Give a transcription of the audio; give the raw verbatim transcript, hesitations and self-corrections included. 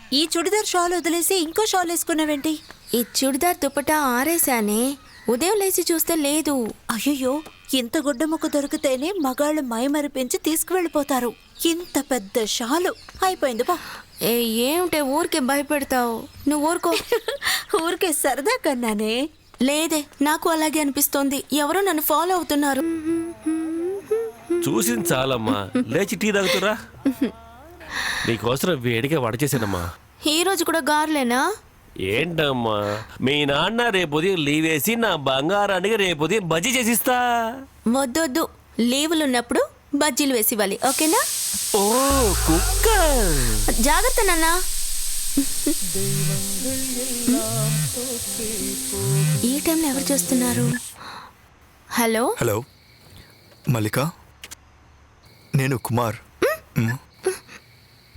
ఈ చుడిదార్ షాల్ వదిలేసి ఇంకో షాల్ వేసుకున్నావేంటి? ఈ చుడిదార్ దుపట్టా ఆరేసానే, ఉదయం లేచి చూస్తే లేదు. అయ్యయ్యో, ఇంత గుడ్డ ముక్క దొరికితేనే మగాళ్ళు మైమరిపించి తీసుకువెళ్ళిపోతారు. ఇంత పెద్ద షాలు అయిపోయింది బా. ఏ ఏమిటే ఊరికే భయపెడతావు? నువ్వు ఊరుకో. ఊరికే సరదా కన్నానే. లేదే, నాకు అలాగే అనిపిస్తోంది. ఎవరో నన్ను ఫాలో అవుతున్నారు. చూసింది చాలమ్మా, లేచి టీ తాగుతురా. నీకోసం వేడిగా వడ చేశానమ్మా. ఈ రోజు కూడా గార్లేనా? ఏంటమ్మా, మీ నాన్న రేపు ఉదయం లీవ్ వేసి నా బంగారానికి రేపు ఉదయం బజ్జీ చేసిస్తా. వద్దొద్దు, లీవులు ఉన్నప్పుడు బజ్జీలు వేసి ఇవ్వాలి, ఓకేనా? ఓ కుక్క, జాగ్రత్త నాన్న. ఈ టైంలో ఎవరు చూస్తున్నారు? హలో హలో మల్లిక, నేను కుమార్.